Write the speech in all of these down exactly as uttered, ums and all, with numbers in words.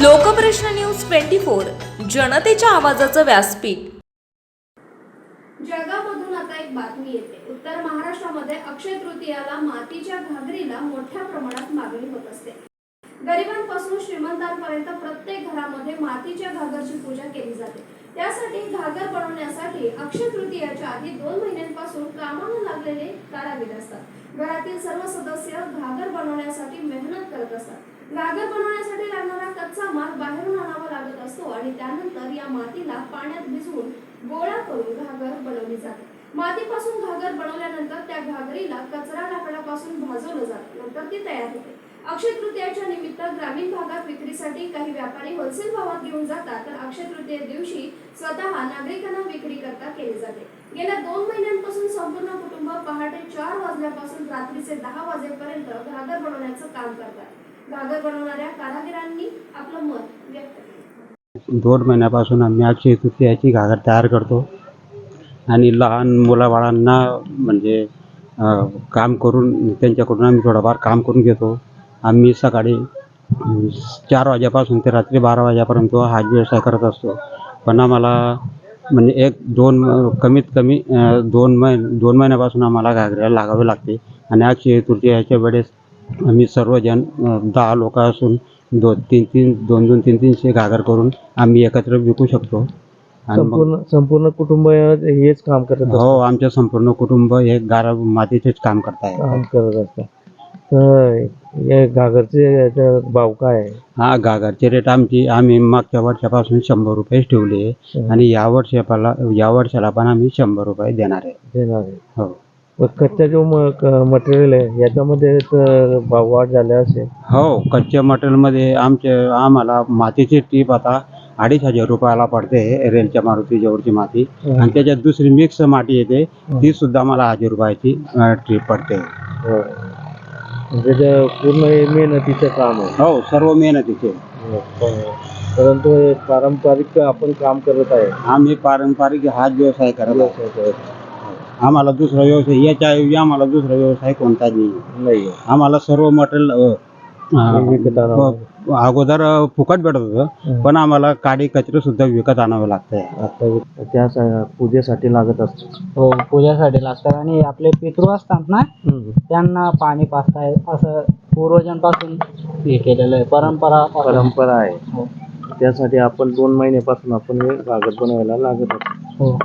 लोकप्रश्न news twenty four जनतेच्या आवाजाचं व्यासपीठ। जळगावमधून आता एक बातमी येते। उत्तर महाराष्ट्रामध्ये अक्षय तृतीयाला मातीच्या घागरीला मोठ्या प्रमाणात मागणी होत असते। गरिबांपासून श्रीमंतांपर्यंत प्रत्येक घरामध्ये मातीच्या घागरची पूजा केली जाते। त्यासाठी घागर बनवण्यासाठी अक्षय तृतीयाच्या आधी दोन महिन्यांपासून कामाला लागलेले कारागीर असतात। घरातील सर्व सदस्य घागर बनवण्यासाठी मेहनत करत असतात। घागर बनवण्यासाठी लागणारा कच्चा माल बाहेरून आणावा लागत असतो आणि त्यानंतर या मातीला पाण्यात भिजवून गोळा करून घागर बनवली जाते। मातीपासून घागर बनवल्यानंतर त्या घागरीला कचरा लाकडापासून भाजवलं जातं, नंतर ती तयार होते। अक्षय तृतीयाच्या निमित्त ग्रामीण भागात विक्रीसाठी काही व्यापारी होलसेल भावात घेऊन जातात, तर अक्षय तृतीये दिवशी स्वतः नागरिकांना विक्री करता केली जाते। गेल्या दोन महिन्यांपासून संपूर्ण कुटुंब पहाटे चार वाजल्यापासून रात्रीचे दहा वाजेपर्यंत घागर बनवण्याचं काम करतात। घागर बनवणाऱ्या कारागिरांनी आपलं मत व्यक्त केलं। दोन महिन्यापासून आम्ही अक्षय तृतीयाची घागर तयार करतो आणि लहान मुलाबाळांना म्हणजे काम करून त्यांच्याकडून आम्ही थोडंफार काम करून घेतो। आम्ही सकाळी चार वाजेपासून ते रात्री बारा वाजेपर्यंत हा व्यवसाय करत असतो। पण आम्हाला म्हणजे एक दोन कमीत कमी दोन महिने दोन महिन्यापासून आम्हाला घागऱ्याला लागावे लागते आणि अक्षय तृतीयाच्या वेळेस आम्ही सर्वजण दहा लोक असून दोन तीन तीन दोन दोन तीन तीनशे घागर करून आम्ही एकत्र विकू शकतो। संपूर्ण संपूर्ण कुटुंब हेच काम करत असतं? हो, आमचे संपूर्ण कुटुंब हे गारा मातीचेच काम करत आहे काम करत असतं। तर या घागरचे भाव काय आहे? हा, घागरचे रेट आमची आम्ही मागच्या वर्षापासून शंभर रुपये ठेवले आणि या वर्षाला या वर्षाला पण आम्ही शंभर रुपये देणार आहे देणार आहे हो। कच्चा जो मटेरियल आहे याच्यामध्ये तर भाव वाढ झाले असेल? हो, कच्च्या मटेरियलमध्ये आमचे आम्हाला मातीची टीप आता अडीच हजार रुपयाला पडते, रेलच्या मारुती जवळची माती, आणि त्याच्यात दुसरी मिक्स माती येते ती सुद्धा मला हजार रुपयाची ट्रीप पडते। म्हणजे पूर्ण मेहनतीचं काम आहे? हो, सर्व मेहनतीचे। परंतु हे पारंपरिक आपण काम करत आहे? आम्ही पारंपरिक हाच व्यवसाय करत आहे। आम्हाला दुसरा व्यवसाय याच्या आम्हाला दुसरा व्यवसाय कोणताच नाही। आम्हाला सर्व मटेरियल अगोदर फुकट भेटत होतं, पण आम्हाला काडी कचरे सुद्धा विकत आणावं लागतंय आता। त्या पूजेसाठी लागत असतं? हो, पूजेसाठी लागतात आणि आपले पितृ असतात ना त्यांना पाणी पाजताय असं पूर्वजांपासून हे केलेलं आहे, परंपरा परंपरा आहे। त्यासाठी आपण दोन महिन्यापासून आपण हे घागर बनवायला लागत असतो। हो।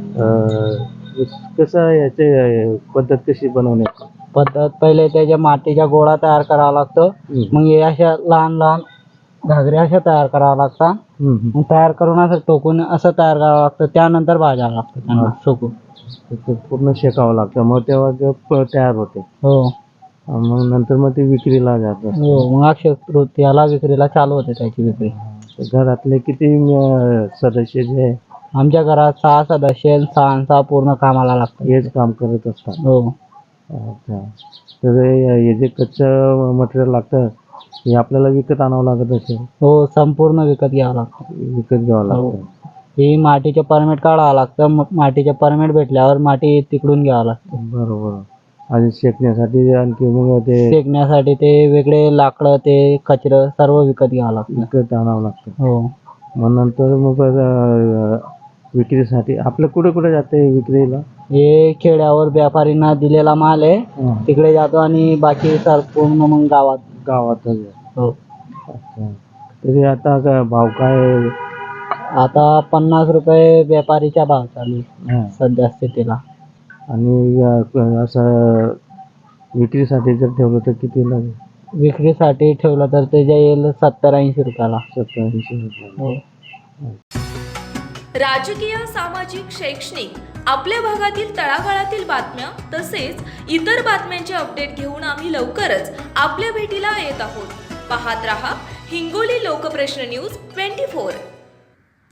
कसं याचे पद्धत कशी बनवण्याची पद्धत? पहिले त्याच्या मातीच्या गोळा तयार करावा लागतो, मग हे अशा लहान लहान घागऱ्या अशा तयार करावं लागतात, मग तयार करून असं टोकून असं तयार करावं लागतं, त्यानंतर भाजावं लागतं त्यांना सुकून पूर्ण शेकावं लागतं, मग तेव्हा ते तयार होते। हो, मग नंतर मग ते विक्रीला जातं? हो, मग अक्षय तृतीयाला विक्रीला चालू होते त्याची विक्री। घरातले किती सदस्य जे आहे? आमच्या घरात सहा सदस्य, सहा सहा पूर्ण कामाला लागतात, हेच काम करत असतात? हो। अच्छा, तर हे जे कच्चं मटेरियल लागतं हे आपल्याला विकत आणावं लागत असेल? हो, संपूर्ण विकत घ्यावं लागतं। विकत घ्यावं लागतं? ही मातीचे परमिट काढावं लागतं, मग मातीचे परमिट भेटल्यावर माती तिकडून घ्यावं लागतं। बरोबर। आणि शेकण्यासाठी आणखी मग ते शेकण्यासाठी ते वेगळे लाकडं, ते कचरं सर्व विकत घ्यावं लागतं, विकत आणावं लागतं। हो। मग नंतर मग विक्रीसाठी आपलं कुठे कुठे जाते विक्रीला? हे खेड्यावर व्यापारींना दिलेला माल आहे, तिकडे जातो आणि बाकी सर पूर्ण मग गावात गावातच? हो। अच्छा, तरी आता काय भाव काय? आता पन्नास रुपये व्यापारीचा भाव चालू आहे सध्या स्थितीला। आणि असं विक्रीसाठी जर ठेवलं तर किती लागेल? विक्रीसाठी ठेवलं तर ते जाईल सत्तर ऐंशी रुपयाला। सत्तर ऐंशी रुपये? हो। राजकीय, सामाजिक, शैक्षणिक, आपल्या भागातील तळागाळातील बातम्या तसेच इतर बातम्यांचे अपडेट घेऊन आम्ही लवकरच आपल्या भेटीला येत आहोत। पाहत रहा हिंगोली लोकप्रश्न न्यूज ट्वेंटी फोर।